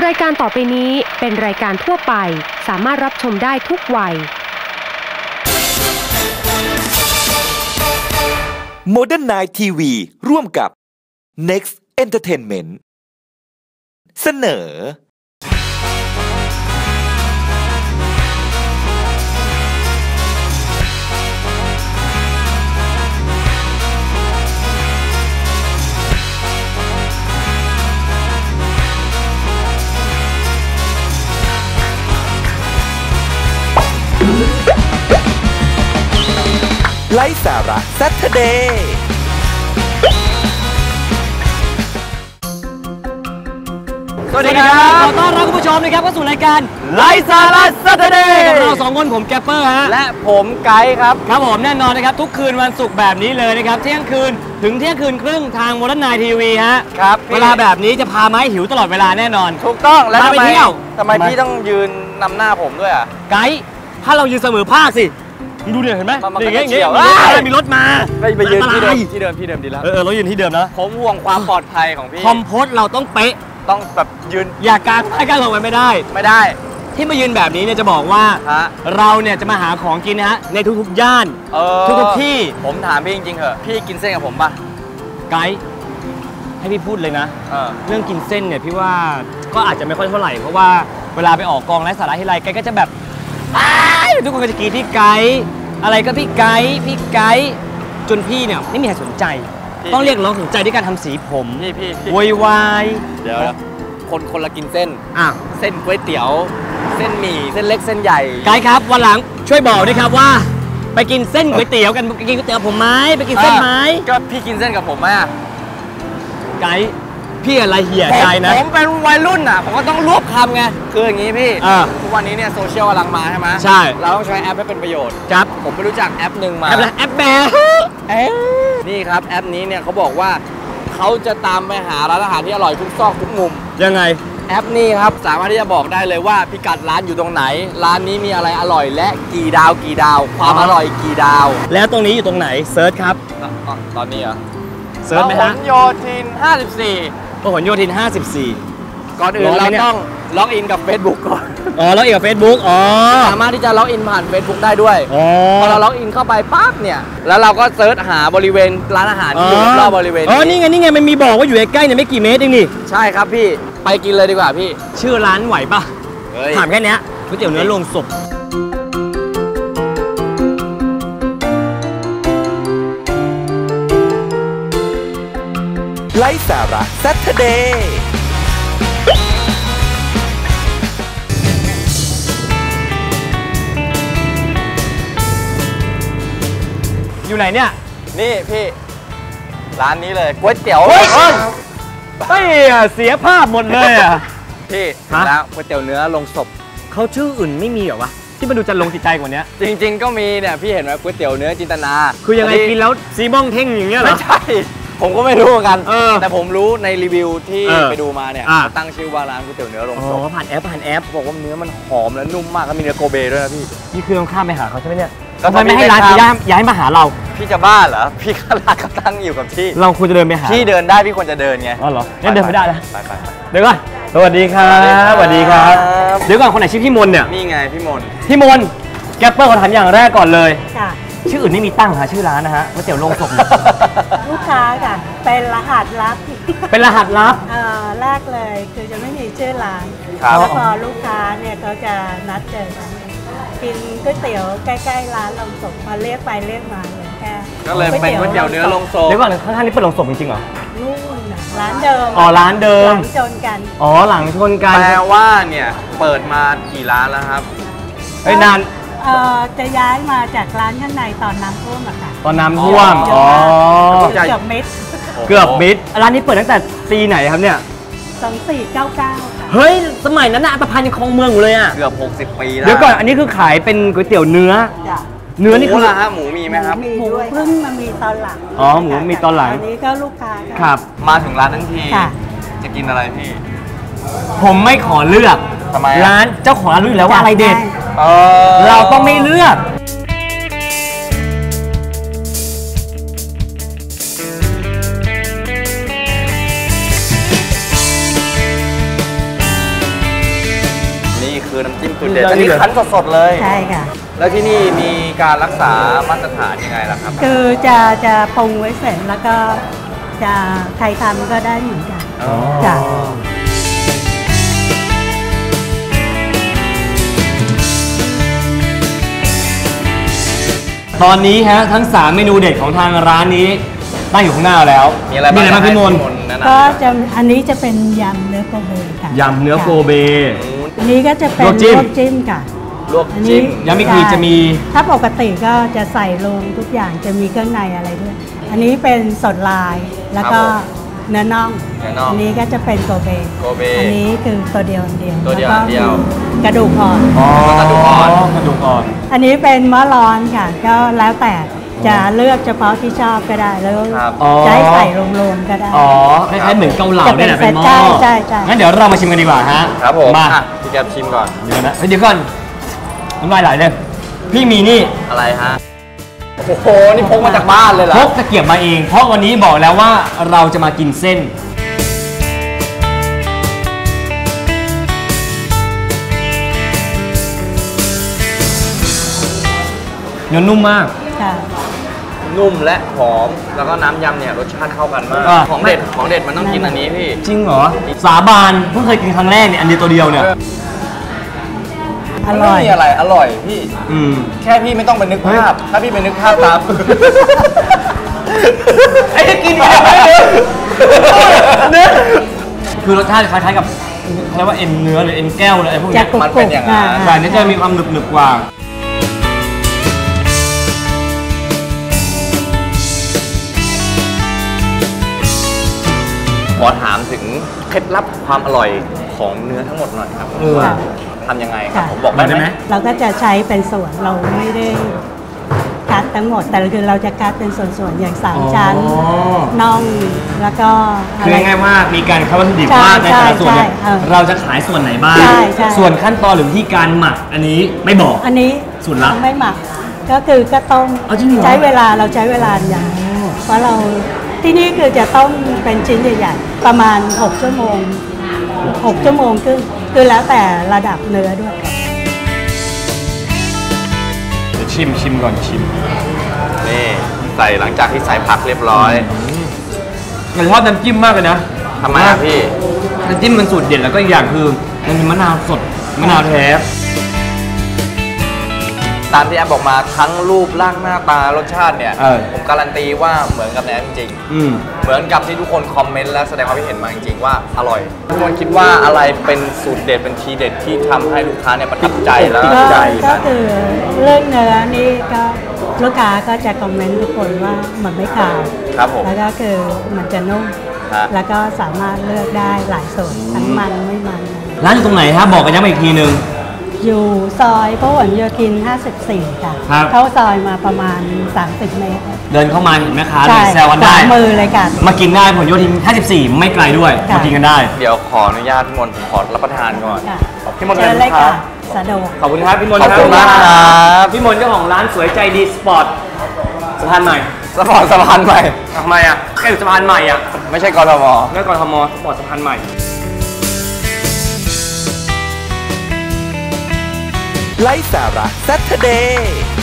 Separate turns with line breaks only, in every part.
รายการต่อไปนี้เป็นรายการทั่วไปสามารถรับชมได้ทุกวัย
Modern Night TV ร่วมกับ Next Entertainment เสนอไลฟ์สาระ Saturday
สวัสดีครับขอต้อนรับคุณผู้ชมนะครับเข้าสู่รายการไลฟ์สาระ Saturday กับเรา2คนผมแกปเปอร์ฮะและผมไกด์ครับครับผมแน่นอนนะครับทุกคืนวันศุกร์แบบนี้เลยนะครับเที่ยงคืนถึงเที่ยงคืนครึ่งทาง Modern Night TV ฮะครับเวลาแบบนี้จะพามาให้หิวตลอดเวลาแน่นอนถูกต้องแล้วทำไมพี่ต้องยืนนำหน้าผมด้วยอ่ะไกด์ถ้าเรายืนเสมอภาคสิดูเนี่ยเห็นไหมอย่างเงี้ยมีรถมาไปยืนที่เดิมดีแล้วเรายืนที่เดิมนะผมห่วงความปลอดภัยของพี่คอมโพสเราต้องเป๊ะต้องแบบยืนอย่ากางให้กันลงไปไม่ได้ที่มายืนแบบนี้เนี่ยจะบอกว่าเราเนี่ยจะมาหาของกินนะฮะในทุกๆย่านทุกที่ผมถามพี่จริงๆเหอะพี่กินเส้นกับผมป่ะไกด์ให้พี่พูดเลยนะเรื่องกินเส้นเนี่ยพี่ว่าก็อาจจะไม่ค่อยเท่าไหร่เพราะว่าเวลาไปออกกองไร้สาระที่ไรไกด์ก็จะแบบทุกคนก็จะกรีดพี่ไกด์อะไรก็พี่ไกด์จนพี่เนี่ยไม่มีใครสนใจต้องเรียกร้องสนใจด้วยการทำสีผมพี่โวยวายเดี๋ยวคนละกินเส้นเส้นก๋วยเตี๋ยวเส้นหมี่เส้นเล็กเส้นใหญ่ไกด์ครับวันหลังช่วยบอกด้วยครับว่าไปกินเส้นก๋วยเตี๋ยวกันไปกินก๋วยเตี๋ยวผมไหมไปกินเส้นไหมก็พี่กินเส้นกับผมไหมไกด์พี่อะไรเหี้ยใจนะผมเป็นวัยรุ่นอ่ะผมก็ต้องรวบคำไงคืออย่างนี้พี่ทุกวันนี้เนี่ยโซเชียลกำลังมาใช่ไหมใช่เราต้องใช้แอปให้เป็นประโยชน์ครับผมไปรู้จักแอปหนึ่งมาแอปแบร์นี่ครับแอปนี้เนี่ยเขาบอกว่าเขาจะตามไปหาร้านอาหารที่อร่อยทุกซอกทุกมุมยังไงแอปนี้ครับสามารถที่จะบอกได้เลยว่าพิกัดร้านอยู่ตรงไหนร้านนี้มีอะไรอร่อยและกี่ดาวความอร่อยกี่ดาวแล้วตรงนี้อยู่ตรงไหนเซิร์ชครับตอนนี้เหรอเซิร์ชไหมฮะพหลโยธิน 54พหลโยธิน 54ก่อนอื่นเราต้องล็อกอินกับ Facebook ก่อนล็อกอินกับ Facebook สามารถที่จะล็อกอินผ่าน Facebook ได้ด้วยพอเราล็อกอินเข้าไปปั๊บเนี่ยแล้วเราก็เซิร์ชหาบริเวณร้านอาหารที่อยู่รอบบริเวณนี่ไงมันมีบอกว่าอยู่ใกล้ๆเนี่ยไม่กี่เมตรเองนี่ใช่ครับพี่ไปกินเลยดีกว่าพี่ชื่อร้านไหวปะถามแค่นี้ก๋วยเตี๋ยวเนื้อโรงศพ
ไลฟ์สาระ Saturday
อยู่ไหนเนี่ยนี่พี่ร้านนี้เลยก๋วยเตี๋ยวเสียภาพหมดเลยอ่ะพี่แล้วก๋วยเตี๋ยวเนื้อลงศพเขาชื่ออื่นไม่มีเหรอวะที่มันดูจะลงจิตใจกว่านี้จริงๆก็มีเนี่ยพี่เห็นไหมก๋วยเตี๋ยวเนื้อจินตนาคือยังไงกินแล้วซีม่องเท่งอย่างเงี้ยเหรอไม่ใช่ผมก็ไม่รู้เหมือนกันแต่ผมรู้ในรีวิวที่ไปดูมาเนี่ยตั้งชื่อว่าร้านก๋วยเตี๋ยวเนื้อลงศพผ่านแอปบอกว่าเนื้อมันหอมและนุ่มมากแล้วมีเนื้อโกเบด้วยนะพี่นี่คือต้องข้ามไปหาเขาใช่ไหมเนี่ยทำไมไม่ให้ร้านย้ายมาหาเราพี่จะบ้าเหรอพี่ก็ร้านก็ตั้งอยู่กับที่เราควรจะเดินไปหาพี่เดินได้พี่ควรจะเดินไงอ๋อเหรองั้นเดินไม่ได้แล้วไปเดี๋ยวก่อนสวัสดีครับสวัสดีครับเดี๋ยวก่อนคนไหนชื่อพี่มนเนี่ยนี่ไงพี่มนแกปเปอร์ขอถามอย่างแรกก่อนเลยชื่ออื่นไม่มีตั้งค่ะชื่อร้านนะฮะก๋วยเตี๋ยวโรงศพ
ลูกค้าค่ะเป็นรหัสลับแรกเลยคือจะไม่มีชื่อร้านแล้วพอลูกค้าเนี่ยเขาจะนัดเจอกันกินก๋วยเตี๋ยวใกล้ๆร้านโรงศพมาเรียกไปเรียกมาเหมือนแค่ก็เลยเป็นก๋วยเตี๋ยวเนื้อโรงศพเดี๋ยวก่อนข้างๆนี้เป็นโรงศพจริงๆเหรอนู่นร้านเดิมร้านเดิมหลังชนกันหลังชนกันแปลว่าเนี่ยเปิดมากี่ร้านแล้วครับนานจะย้ายมาจากร้านข้างในตอนน้ำท่วมอะค่ะตอนน้ำท่วมเกือบมิดร้านนี้เปิดตั้งแต่ปีไหนครับเนี่ย2499ค่ะเฮ้ยสมัยนั้นน่ะอัตภัณฑ์ยังครองเมืองอยู่เลยอะเกือบ60 ปีแล้วเดี๋ยวก่อนอันนี้คือขายเป็นก๋วยเตี๋ยวเนื้อนี่คือหมูมีไหมครับหมูเพิ่งมามีตอนหลังหมูมีตอนหลังอันนี้ก็ลูกค้าครับมาถึงร้านทั้งทีจะกินอะไรพี่ผมไม่ขอเลือกร้านเจ้าของร้านรู้อยู่แล้วว่าอะไรเด็ดเราต้องไม่เลือก
ไ
คือน้ำจิ้มสูตรเด็ดอันนี้คั้นสดๆเลย
ใช่ค่ะ
แล้วที่นี่มีการรักษามาตรฐานยังไงล่ะครับ
คือจะปรุงไว้เสร็จแล้วก็จะใครทำก็ได้เหมือนกันจ้ะ
ตอนนี้ฮะทั้ง3เมนูเด็ดของทางร้านนี้ตั้งอยู่ข้างหน้าแล้ว
มีอะไรบ้าง
พี่มน
ก็จะอันนี้จะเป็นยำเนื้อโกเบค่ะ
ยำเนื้อโกเบ
อันนี้ก็จะเป็นลวกจิ้มค่ะ
ลวกจิ้ม
ยังไม่คือจะมี
ถ้าปกติก็จะใส่ลงทุกอย่างจะมีเครื่องในอะไรด้วยอันนี้เป็นสดลายแล้วก็เนื้อน่องอันนี้ก็จะเป็นโกเบอันนี้คือตัวเดียวกระดูกอ่อน
กระดูกอ่
อน
อันนี้เป็นมะร้อนค่ะก็แล้วแต่จะเลือกเฉพาะที่ชอบก็ได้แล้วจะให้ใส่รวมๆก็ได้
คล้ายๆเหมือนเกาเหลาเนี่ยนะเป็นหม้อ
ใช่
งั้นเดี๋ยวเรามาชิมกันดีกว่าฮะ
ครับผม
มา
พี่แกชิมก่อน
เดี๋ยวก่อนน้ำลายไหลเลยพี่มีนี่
อะไรฮะโอ้โหนี่พกมาจากบ้านเลยเหรอ
พกตะเกียบมาเองเพราะวันนี้บอกแล้วว่าเราจะมากินเส้นเนื้อนุ่มมาก
นุ่มและหอมแล้วก็น้ำยำเนี่ยรสชาติเข้ากันมากของเด็ดมันต้องกินอันนี้พี่
จริงเหรอสาบานเพิ่งเคยกินครั้งแรกเนี่ยอันเดียวตัวเดียวเนี่ย
อร่อย
อะไรอร่อยพี่แค่พี่ไม่ต้องไปนึกภาพถ้าพี่ไปนึกภาพตามไอ้จะกินอะไร
เนี่ยคือรสชาติคล้ายๆกับเรียกว่าเอ็นเนื้อหรือเอ็นแก้วอะไรพวกนี้
มันเป็นอย่างนั้น
แต่นี้จะมีความหนึบๆกว่า
ขอถามถึงเคล็ดลับความอร่อยของเนื้อทั้งหมดหน่อยครับทำยังไงครับผมบอกได้ไหม
เราก็จะใช้เป็นส่วนเราไม่ได้คัดทั้งหมดแต่คือเราจะคัดเป็นส่วนๆอย่าง3ชั้นน่องแล้วก็
คือง่ายๆว่ามีการคัดวัตถุดิบมากในแต่ละส่วนเราจะขายส่วนไหนบ้างส่วนขั้นตอนหรือวิธีการหมักอันนี้ไม่บอก
อันนี้
ส่วนลับ
ไม่หมักก็คือก็ต้มใช้เวลาอย่างเพราะเราที่นี่คือจะต้มเป็นชิ้นใหญ่ๆประมาณ6 ชั่วโมงคือแล้วแต่ระดับเนื้อด้วย
ชิมก่อนชิม
นี่ใส่หลังจากที่ใส่ผักเรียบร้อย
ชอบน้ำจิ้มมากเลยนะ
ทำไมพี่
น้ำจิ้มมันสูตรเด็ดแล้วก็อีกอย่างคือมันมีมะนาวสดมะนาวแท้
ตามที่แอมบอกมาทั้งรูปร่างหน้าตารสชาติเนี่ยผมการันตีว่าเหมือนกับแอมจริงๆเหมือนกับที่ทุกคนคอมเมนต์และแสดงความคิดเห็นมาจริงๆว่าอร่อยทุกคนคิดว่าอะไรเป็นสูตรเด็ดเป็นทีเด็ดที่ทำให้ลูกค้าเนี่ยประทับใจแล้ว
ก็คือเรื่องเนื้อนี่ก็ลูกค้าก็จะคอมเมนต์ทุกคนว่ามันไม่ขาว
ครับผม
แล้วก็คือมันจะนุ่มแล้วก็สามารถเลือกได้หลายส่วนทั้งมันไม่มัน
ร้านอยู่ตรงไหนครับบอกกันย้ำอีกทีนึง
อยู่ซอยพหลโยธิน 54 ค่ะเข้าซอยมาประมาณ30 เมตร
เดินเข้ามาเห็นไหมคะเลยแซวกันได้
มือเลยค่ะ
มากินได้ผลโยธิน 54 ไม่ไกลด้วยมากินกันได้
เดี๋ยวขออนุญาตพี่มนต์ขอรับประทานก่อน
พี่มนต์เชิญเลยค่ะสะดวก
ขอบคุณครับพี่มนต์ครับ
ขอบคุณมากครับ
พี่มนต์เจ้าของร้านสวยใจดีสปอร์ตสะพานใหม่
สปอร์ตสะพานใหม่
ทำไมอ่ะแค่อยู่สะพานใหม่อ่ะ
ไม่ใช่กทม
ไม่กทมสปอร์ตสะพานใหม่
ไลฟ์สาระ Saturday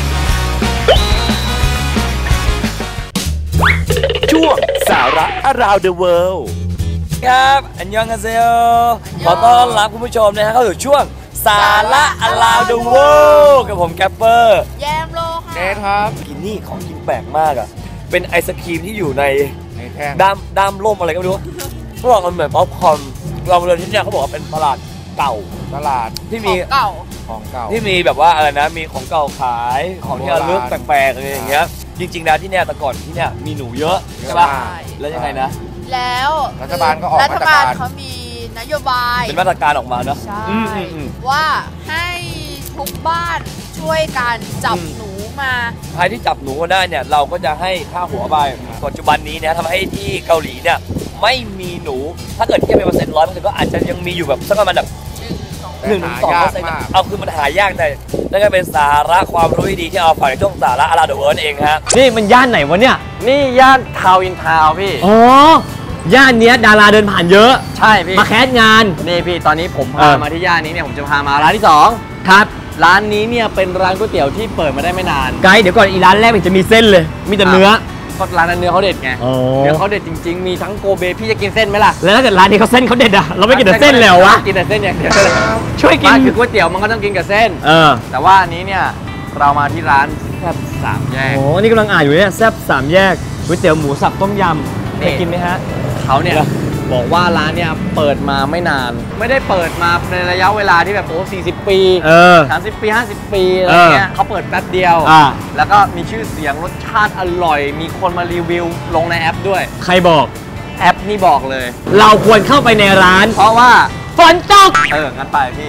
ช่วงสาระ Around the World
ครับอันยองกันเซลขอต้อนรับคุณผู้ชมนะฮะเข้าสู่ช่วงสาระ Around the World กับผมแกปเปอร์
แยมโลค่ะ
เนทครับ
กินนี่ของกินแปลกมากอ่ะเป็นไอศครีมที่อยู่ในด้ามร่มอะไรก็ไม่รู้เขาบอกมันเหมือนป๊อปคอร์นเราเลยที่เนี่ยเขาบอกว่าเป็นตลาดเก่า
ตลาด
ที่มี
ของเก่า
ที่มีแบบว่าอะไรนะมีของเก่าขายของที่ระลึกแปลกๆอะไรอย่างเงี้ยจริงๆแล้วที่เนี่ยแต่ก่อนที่เนี่ยมีหนูเยอะใช่ป่ะแล้วยังไงนะ
แล้ว
รัฐบาลก็ออก
มาตรการเขามีนโยบาย
เป็นมาตรการออกมาเนอะ
ว่าให้ทุกบ้านช่วยกันจับหนูมา
ใครที่จับหนูมาได้เนี่ยเราก็จะให้ค่าหัวไปปัจจุบันนี้เนี่ยทำให้ที่เกาหลีเนี่ยไม่มีหนูถ้าเกิดเทียบเป็น100%ก็อาจจะยังมีอยู่แบบสักประมาณแบบ1-2%เอาคือมันหายากแต่นั่นก็เป็นสาระความรู้ดีที่เอาฝากในช่วงสาระAround the Worldเองฮะนี่มันย่านไหนวะเนี่ย
นี่ย่านทาวน์อินทาวน์พี่
อ๋อย่านเนี้ยดาราเดินผ่านเยอะ
ใช่พี่
มาแคสงาน
นี่พี่ตอนนี้ผมพามาที่ย่านนี้เนี่ยผมจะพามาร้านที่2
ครับ
ร้านนี้เนี่ยเป็นร้านก๋วยเตี๋ยวที่เปิดมาได้ไม่นาน
ไกด์เดี๋ยวก่อนอีร้านแรกมันจะมีเส้นเลย มีแต่เนื้อ
ก็ร้านนั้นเนื้อเขาเด็ดไง
อ๋อ
เนื้อเขาเด็ดจริงๆมีทั้งโกเบพี่จะกินเส้นไหมล่ะ
แล้วถ้าเกิดร้านนี้เขาเส้นเขาเด็ดอะเราไม่กินแต่เส้นเลยเหรอวะ
กินแต่เส้นอย่างเดียว
ช่วยกิน
บ้านคือก๋วยเตี๋ยวมันก็ต้องกินกับเส้น แต่ว่าอันนี้เนี่ยเรามาที่ร้านแซ่บ3 แยก
โอ้นี่กำลังอ่านอยู่เนี่ยแซ่บ3 แยกก๋วยเตี๋ยวหมูสับต้มยำเคยกินไหมฮะ
เขาเนี่ยบอกว่าร้านเนี่ยเปิดมาไม่นาน ไม่ได้เปิดมาในระยะเวลาที่แบบโอ้40 ปี30 ปี 50 ปีอะไรเงี้ยเขาเปิดแป๊บเดียวแล้วก็มีชื่อเสียงรสชาติอร่อย มีคนมารีวิวลงในแอปด้วย
ใครบอก
แอปนี่บอกเลย
เราควรเข้าไปในร้าน
เพราะว่า
ฝนตก
งั้นไปพี่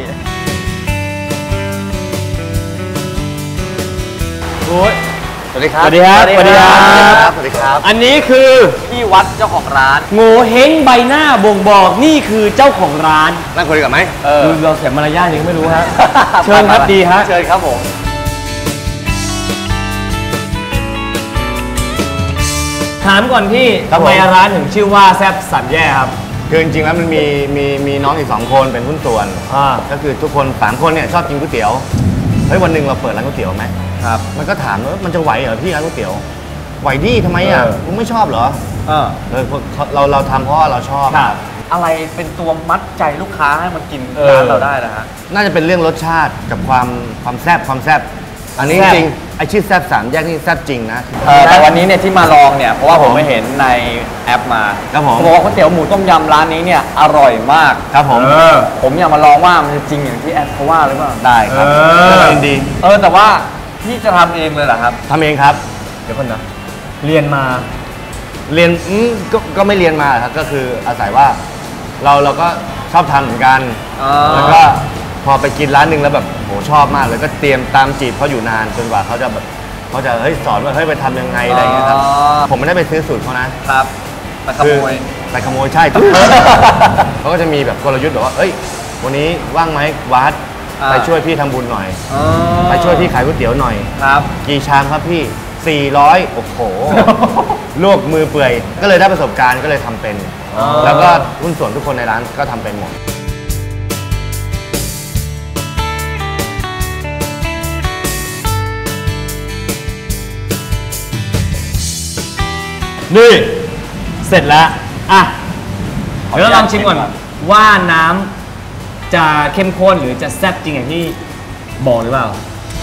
โอ้ยสวัสดีครับ
สวัสดีครับ
สวัสดีครับ
สวัสดีครับอันนี้คือ
พี่วัดเจ้าของร้าน
โง่เฮงใบหน้าบ่งบอกนี่คือเจ้าของร้าน
นั่งคุยกันไหม
ดูเราเสียมารยาทยังไม่รู้ฮะ เชิญครับดีฮะ
เชิญครับผม
ถามก่อนพี่ทำไมร้านถึงชื่อว่าแซ่บ3 แยกครับ
คือจริงๆแล้วมันมีน้องอีก2 คนเป็นหุ้นส่วนก็คือทุกคน3 คนเนี่ยชอบกินก๋วยเตี๋ยวเฮ้ยวันหนึ่งเราเปิดร้านก๋วยเตี๋ยวไหมครับมันก็ถามว่ามันจะไหวเหรอพี่ร้านก๋วยเตี๋ยวไหวดิทำไมอ่ะมึงไม่ชอบเหรอเราทำเพราะว่าเราชอบ
อะไรเป็นตัวมัดใจลูกค้าให้มันกินร้านเราได้นะฮะ
น่าจะเป็นเรื่องรสชาติกับความแซ่บอันนี้จริงไอชื่อแซ่บ3 แยกนี่แซ่บจริงนะ
แต่วันนี้เนี่ยที่มาลองเนี่ยเพราะว่าผมไม่เห็นในแอปมา
ครับผม
บอกว่าก๋วยเตี๋ยวหมูต้มยำร้านนี้เนี่ยอร่อยมาก
ครับผม
ผมอยากมาลองว่ามันจะจริงอย่างที่แอปเขาว่าหรือเปล่า
ได้ครับยินดี
แต่ว่าพี่จะทำเองเลยเหรอครับ
ทำเองครับ
เดี๋ยวก่อนนะเรียน
ก็ไม่เรียนมาครับก็คืออาศัยว่าเราก็ชอบทำเหมือนกันแล้วก็พอไปกินร้านหนึ่งแล้วแบบโหชอบมากเลยก็เตรียมตามจีบเขาอยู่นานจนกว่าเขาจะเฮ้ยสอนว่าเฮ้ยไปทำยังไงอะไรอย่างเงี้ยครับผมไม่ได้ไปซื้อสูตรเขานะครับ
ไปขโมย
ใช่ เขาก็จะมีแบบกลยุทธ์แบบว่าเอ้ยวันนี้ว่างไหมวัดไปช่วยพี่ทำบุญหน่อยไปช่วยพี่ขายก๋วยเตี๋ยวหน่อย
ครับ
กี่ชามครับพี่400โอ้โหลวกมือเปื่อยก็เลยได้ประสบการณ์ก็เลยทำเป็นแล้วก็หุ้นส่วนทุกคนในร้านก็ทำเป็นหมด
นี่เสร็จแล้วอ่ะเดี๋ยวเราลองชิมก่อนว่าน้ำจะเข้มข้นหรือจะแซ่บจริงอย่างที่บอกหรือเปล่า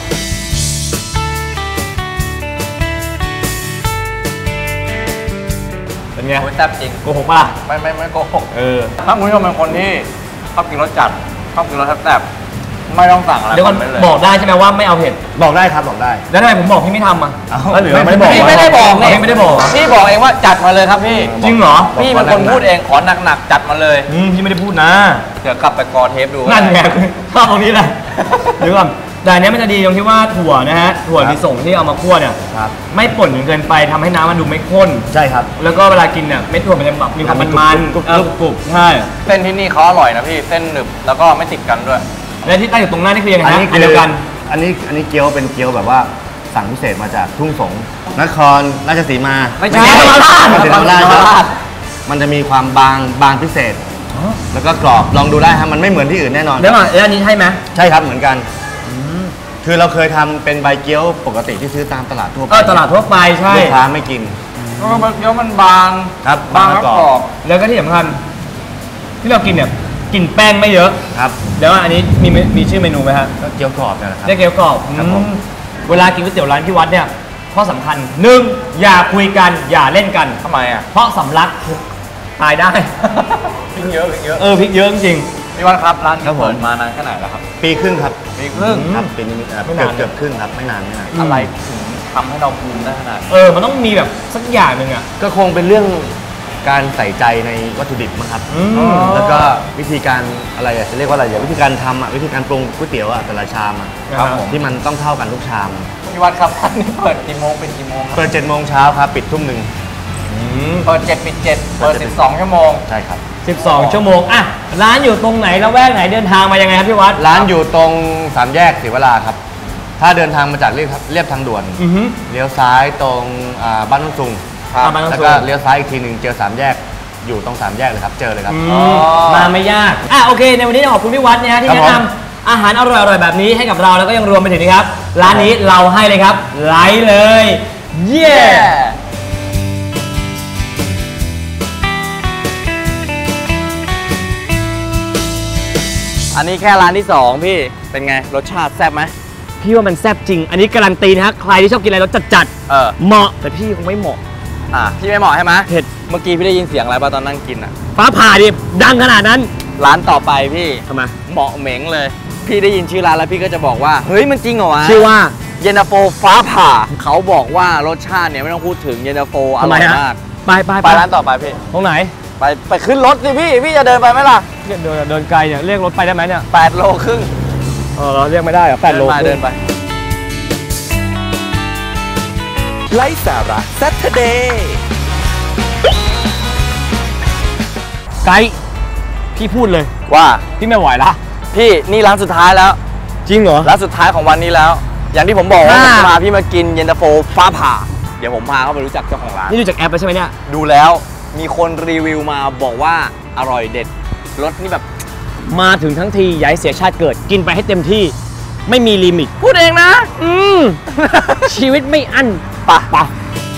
เป็นไง
แซ่บจริง
โกหกป่ะ
ไม่โกหกถ้าคุณผู้ชมเป็นคนที่ชอบกินรสจัดชอบกินรสแซ่บไม่ต้องสั่งอะไร
เดี๋ยวก่อนบอกได้ใช่ไหมว่าไม่เอาเผ็ด
บอกได้ครับบอกได้
แล้วทำไมผมบอกพี่ไม่ทำอ่ะ
หรือไม่บอก
พี่ไม่ได้บอก
พี่ไม่ได้บอก
พี่บอกเองว่าจัดมาเลยครับพี่
จริงเหรอ
พี่เป็นคนพูดเองขอหนักๆจัดมาเลย
พี่ไม่ได้พูดนะ
เดี๋ยวกลับไปกอเทปดู
นั่นไงชอบตรงนี้แหละเดี๋ยวก่อนแต่อันนี้มันจะดีตรงที่ว่าถั่วนะฮะถั่วลิสงที่เอามาคั่วเนี่ยไม่ป่นจนเกินไปทำให้น้ำมันดูไม่ข้น
ใช่ครับ
แล้วก็เวลากินเนี่ยเม็ดถั่วมันจะแบบมีความมันๆกรุบๆใช่
เส้นที่นี่เขาอร่อยนะพี่เส้นหนึบแล้วก็ไม่ติดกันด้วย
และที่ตั้งอยู่ตรงหน้านี่คือยังไงฮะอันเดียวกัน
อันนี้เกี๊ยวเป็นเกี๊ยวแบบว่าสั่งพิเศษมาจากทุ่งสงนครราชสีมา
ไม่ใช่ธรรมราช
มันจะมีความบางพิเศษแล้วก็กรอบลองดูได้ครับมันไม่เหมือนที่อื่นแน่นอน
แล้วอันนี้ใช่ไหม
ใช่ครับเหมือนกันคือเราเคยทำเป็นใบเกี๊ยวปกติที่ซื้อตามตลาดทั่วไป
ตลาดทั่วไปใช่
ลูกค้าไม่กิน
ใบเกี๊ยวมันบาง
ครับ
บางแล้วกรอบ
แล้วก็ที่สำคัญที่เรากินเนี่ยกินแป้งไม่เยอะ
ครับ
แล้วอันนี้มีชื่อเมนูไหมฮะ
ก็เกี๊ยวกรอบนะครับ
เรียกเกี๊ยวกรอบเวลากินก๋วยเตี๋ยวร้านพี่วัดเนี่ยข้อสำคัญ1อย่าคุยกันอย่าเล่นกัน
ทำไมอ่ะ
เพราะสำลักตายได้
พริกเยอะ
พริกเยอะจริง
พี่วัดครับร้านเปิดมานานแค่ไหนแล้วครับ
ปีครึ่งครับ
ปีครึ่ง
ครับปีนี้เกือบครึ่งครับไม่นาน
อะไรถึงทำให้เราภูมิได้ขนาด
มันต้องมีแบบสักอย่างหนึ่งอ่ะ
ก็คงเป็นเรื่องการใส่ใจในวัตถุดิบมั้งครับแล้วก็วิธีการอะไรจะเรียกว่าอะไรวิธีการทำวิธีการปรุงก๋วยเตี๋ยวแต่ละชามที่มันต้องเท่ากันทุกชาม
พี่วัดครับร้านนี้เปิดกี่โมงเป็นกี่โมง
เปิด7 โมงเช้าครับปิดทุ่ม 1
เปิด7ปิด7เปิด12 ชั่วโมง
ใช่ครับ
12 ชั่วโมงอ่ะร้านอยู่ตรงไหนละแวกไหนเดินทางมายังไงครับพี่วัด
ร้านอยู่ตรง3 แยกศรีวราครับถ้าเดินทางมาจากเรียบทางด่วนเลี้ยวซ้ายตรงบ้านนุ่งซุงแล้วก็เลี้ยวซ้ายอีกทีหนึ่งเจอ3 แยกอยู่ตรง3 แยกเลยครับเจอเลยครับ
มาไม่ยากโอเคในวันนี้ขอบคุณพี่วัดนะฮะที่แนะนำอาหารอร่อยๆแบบนี้ให้กับเราแล้วก็ยังรวมไปถึงนะครับร้านนี้เราให้เลยครับไลค์เลยเย้
อันนี้แค่ร้านที่2พี่เป็นไงรสชาติแซ่บไหม
พี่ว่ามันแซ่บจริงอันนี้การันตีนะฮะใครที่ชอบกินอะไรรสจัดๆเหมาะแต่พี่คงไม่เหมาะ
พี่ไม่เหมาะใช่ไหม
เผ็ด
เมื่อกี้พี่ได้ยินเสียงอะไรป่ะตอนนั่งกิน
ฟ้าผ่าดิดังขนาดนั้น
ร้านต่อไปพี่
ทำไม
เหมาะเหม็งเลยพี่ได้ยินชื่อร้านแล้วพี่ก็จะบอกว่าเฮ้ยมันจริงเหรอวะ
ชื่อว่า
เย็นตาโฟฟ้าผ่าเขาบอกว่ารสชาติเนี่ยไม่ต้องพูดถึงเย็นตาโฟอร่อยมาก
ไป
ร้านต่อไปพี่
ตรงไหน
ไปขึ้นรถสิพี่จะเดินไปไหมล่ะ
เดินไกลเนี่ยเรียกรถไปได้ไหมเนี่ย
8 โลครึ่ง
เราเรียกไม่ได้เหรอ8 โล
เดินไป
ไลฟ์สาระ Saturday
ไกด์พี่พูดเลย
ว่า
พี่ไม่ไหวละ
พี่นี่ร้านสุดท้ายแล้ว
จริงเหรอ
ร้านสุดท้ายของวันนี้แล้วอย่างที่ผมบอกว่าผมพาพี่มากินเย็นตาโฟฟ้าผ่าเดี๋ยวผมพาเขาไปรู้จักเจ้าของร้าน
นี่ดูจากแอปแล้วใช่ไหมเนี่ย
ดูแล้วมีคนรีวิวมาบอกว่าอร่อยเด็ดรสนี่แบบ
มาถึงทั้งทีอย่าให้เสียชาติเกิดกินไปให้เต็มที่ไม่มีลิมิต
พูดเองนะ
ชีวิตไม่อั้นปะ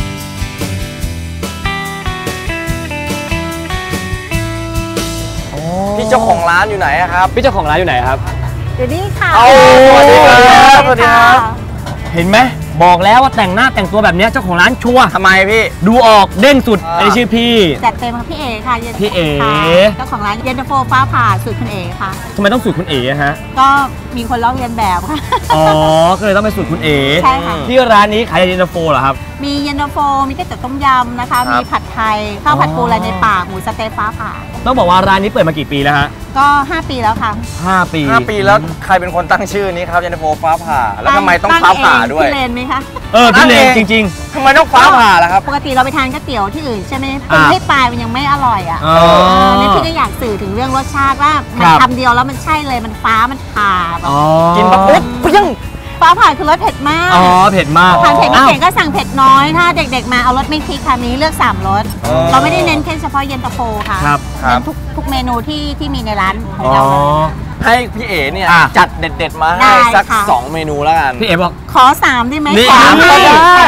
พี่เจ้าของร้านอยู่ไหนครับ
พี่เจ้าของร้านอยู่ไหนครับ
อยู่นี่ค่ะ
สวัสดีครับสวัสดีครับ
เห็นไหมบอกแล้วว่าแต่งหน้าแต่งตัวแบบนี้เจ้าของร้านชัวร์
ทำไมพี่
ดูออกเด้งสุดไอชื่อพี่
จัดเต็มค่ะพี่เอค่ะ
พี่เอ
เจ้าของร้านเย็นตาโฟฟ้าผ่าสูตรคุณเอค่ะ
ทำไมต้องสูตรคุณเอฮะ
ก็มีคนลอกเรียนแบบค่ะ
ก็เลยต้องเป็นสูตรคุณเอ
ใช่ค่ะ
ที่ร้านนี้ขายเย็นตาโฟเหรอครับ
มีเย็นตาโฟมีก๋วยเตี๋ยวต้มยำนะคะมีผัดไทยข้าวผัดปูอะไรในปากหมูสเต๊กฟ้าผ่า
ต้องบอกว่าร้านนี้เปิดมากี่ปีแล้วฮะ
ก็5 ปีแล้วค่ะ
5
ปีแล้วใครเป็นคนตั้งชื่อนี้ครับเย็นตาโฟฟ้าผ่าแล้วทำไมต้องฟ้าผ่าด้วย
พี่เลนไหมคะ
พี่เลนจริง
ๆทำไมต้องฟ้าผ่าล่ะครับ
ปกติเราไปทานก๋วยเตี๋ยวที่อื่นใช่ไหมปรุงให้ปลายมันยังไม่อร่อยนี่พี่ก็อยากสื่อถึงเรื่องรสชาติว่ามันคำเดียวแล้วมันใช่เลยมันฟ้ามันผ่า
กินปุ๊บเพี้ยง
ฟ้าผ่าคือรสเผ็ดมาก
เผ็ดมาก
ทานเผ็ดไม่เก่งก็สั่งเผ็ดน้อยถ้าเด็กๆมาเอารสไม่พริกค่ะมีเลือก3 รสเราไม่ได้เน้นแค่เฉพาะเย็นตาโฟค่ะเน้นทุกเมนูที่มีในร้านของเรา
ให้พี่เอ๋เนี่ยจัดเด็ดๆมาให้สัก2 เมนูแล้วกัน
พี่เอ๋บอก
ขอ3ได้ไหม
3ก็ได้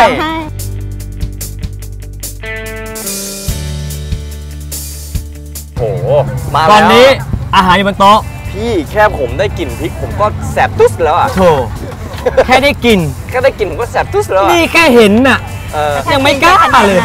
โอ้มา
ตอนนี้อาหารอยู่บนโต๊ะ
พี่แค่ผมได้กลิ่นพริกผมก็แสบตุ๊สแล้วอ่ะ
โธ่แค่ได้กลิ่น
ผมก็แสบตุ๊สแล้ว
นี่แค่เห็นน่ะยังไม่กล้าเลย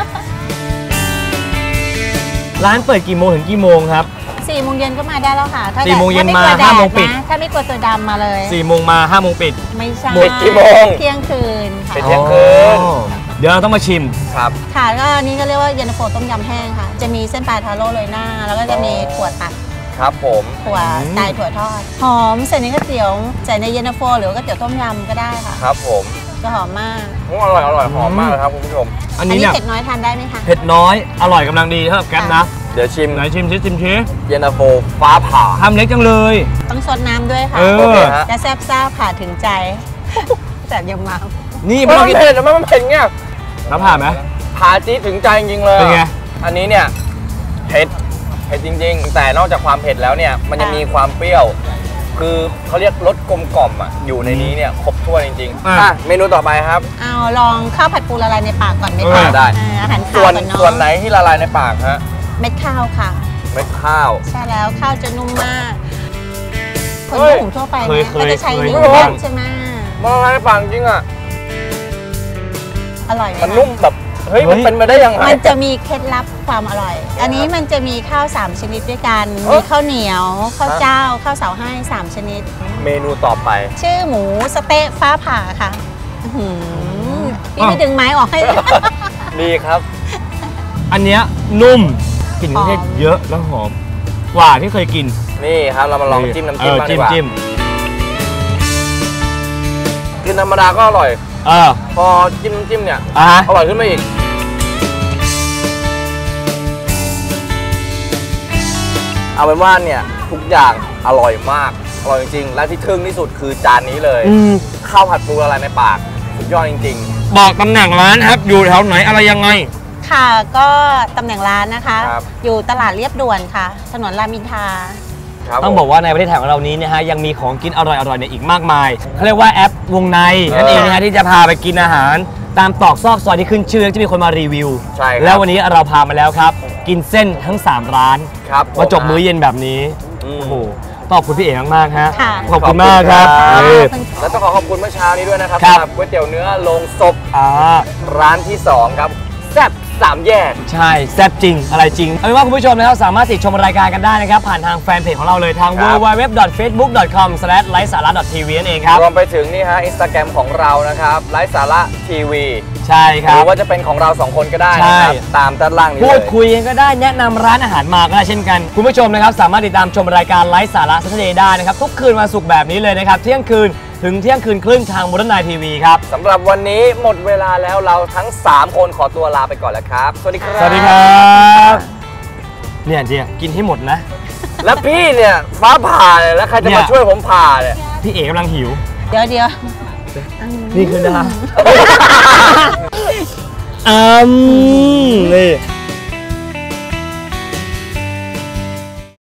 ร้านเปิดกี่โมงถึงกี่โมงครับ
4 โมงเย็นก็มาได้แล้วค่ะ
4 โมงเย็นมา5 โมงปิด
ถ้าไม่กลัวตัวดำมาเลย
4 โมงมา5 โมงปิด
ไม่ใช่
กี่โมง
เที่ยงคืนค่ะ
เที่ยงคืน
เดี๋ยวเราต้องมาชิม
ครับ
ค่ะก็นี้ก็เรียกว่าเย็นตาโฟต้มยำแห้งค่ะจะมีเส้นปลาทาโร่โรยหน้าแล้วก็จะมีถั่วตัด
ครับผม
ถั่วไก่ถั่วทอดหอมใส่ในก๋วยเตี๋ยวใส่ในเย็นตาโฟหรือก๋วยเตี๋ยวต้มยำก็ได้ค่ะ
ครับผม
จะหอมมาก
อร่อยหอมมากเลยครับคุณผู้ชม
อันนี้เผ็ดน้อยทานได้ไหมคะ
เผ็ดน้อยอร่อยกำลังดีสำหรับแก๊ปนะ
เดี๋ยวชิม
ไหนชิมชิ
เย็นตาโฟฟ้าผ่า
ทำเล็กจังเลย
ต้องซดน้ำด้วยค่ะจะแซ่บซ่าผ่าถึงใจแต่ยังมา
นี่ไม่ต้องเผ็ดมันเผ็ดเงี้ย
แล้วผ่าไหม
ผ่าจี๊ดถึงใจจริงๆเลย
เป็นไง
อันนี้เนี่ยเผ็ดจริงๆแต่นอกจากความเผ็ดแล้วเนี่ยมันยังมีความเปรี้ยวคือเขาเรียกรสกลมกล่อมอ่ะอยู่ในนี้เนี่ยครบถ้วนจริงๆเมนูต่อไปครับ
เอาลองข้าวผัดปูละลายในปากก่อนไหมคะ
ได้
อาหาร
ส่วนไหนที่ละลายในปากฮะ
เม็ดข้าวค่ะ
เม็ดข้าว
ใช่แล้วข้าวจะนุ่มมากคนญี่ปุ่นทั่วไปก็จะใช้นิ้วใช่ไหม
มันละลายในปากจริงอ่ะ
อร่อย
มันนุ่มแบบเฮ้ยมันเป็นมาได้ยังไง
มันจะมีเคล็ดลับความอร่อยอันนี้มันจะมีข้าว3 ชนิดด้วยกันมีข้าวเหนียวข้าวเจ้าข้าวเสาให้3 ชนิด
เมนูต่อไป
ชื่อหมูสเต๊ะฟ้าผ่าค่ะพี่ไม่ดึงไม้ออกให้
ดีครับ
อันเนี้ยนุ่มกลิ่นเครื่องเทศเยอะแล้วหอมกว่าที่เคยกิน
นี่ครับเรามาลองจิ้มน้ำจิ้มดีกว่ากินธรรมดาก็อร่อยพอจิ้มน้ำจิ้มเนี่ยอร่อยขึ้นมาอีกเอาเป็นว่าเนี่ยทุกอย่างอร่อยมากอร่อยจริงๆและที่ทึ่งที่สุดคือจานนี้เลยข้าวผัดปูละลายในปากสุดยอดจริง
ๆบอกตำแหน่งร้านครับอยู่แถวไหนอะไรยังไง
ค่ะก็ตำแหน่งร้านนะคะ อยู่ตลาดเรียบด่วนค่ะถนนรามอินทรา
ต้องบอกว่าในประเทศไทยของเรานี้นะฮะยังมีของกินอร่อยๆเนี่ยอีกมากมายเขาเรียกว่าแอปวงในนั่นเองนะฮะที่จะพาไปกินอาหารตามตอกซอกซอยที่ขึ้นชื่อที่มีคนมารีวิวแล้ววันนี้เราพามาแล้วครับกินเส้นทั้ง3ร้านมาจบมื้อเย็นแบบนี้โอ้โหขอบคุณพี่เอ๋มากๆฮะขอบคุณมากครับ
แล้วต้องขอบคุณเมื่อเช้านี้ด้วยนะครับสำหรับก๋วยเตี๋ยวเนื้อโรงศพร้านที่2ครับแซ่บ3 แยก
ใช่แซ่บจริงอะไรจริงเอาเป็นว่าคุณผู้ชมนะครับสามารถติดชมรายการกันได้นะครับผ่านทางแฟนเพจของเราเลยทาง www.facebook.com/laisara.tv นั่นเองครับ
รวมไปถึงนี่ฮะ Instagram ของเรานะครับไลฟ์สาระทีวี
ใช่ครับ
หรือว่าจะเป็นของเรา2คนก็ได้นะครับตามด้านล่างนี้เลย
พูดคุยกันก็ได้แนะนำร้านอาหารมาก็ได้เช่นกันคุณผู้ชมนะครับสามารถติดตามชมรายการไลฟ์สาระ Saturday ได้นะครับทุกคืนวันศุกร์แบบนี้เลยนะครับเที่ยงคืนถึงเที่ยงคืนครึ่งทาง Modern Night TV ครับ
สำหรับวันนี้หมดเวลาแล้วเราทั้ง3คนขอตัวลาไปก่อนแล้วครับสวัสดีครับ
สวัสดีครับเนี่ยเจียกินให้หมดนะ
แล้วพี่เนี่ยฟ้าผ่าเลยแล้วใครจะมาช่วยผมผ่าเนี่ย
พี่เอ๋กำลังหิว
เดี๋ยว
นี่คือนะนี่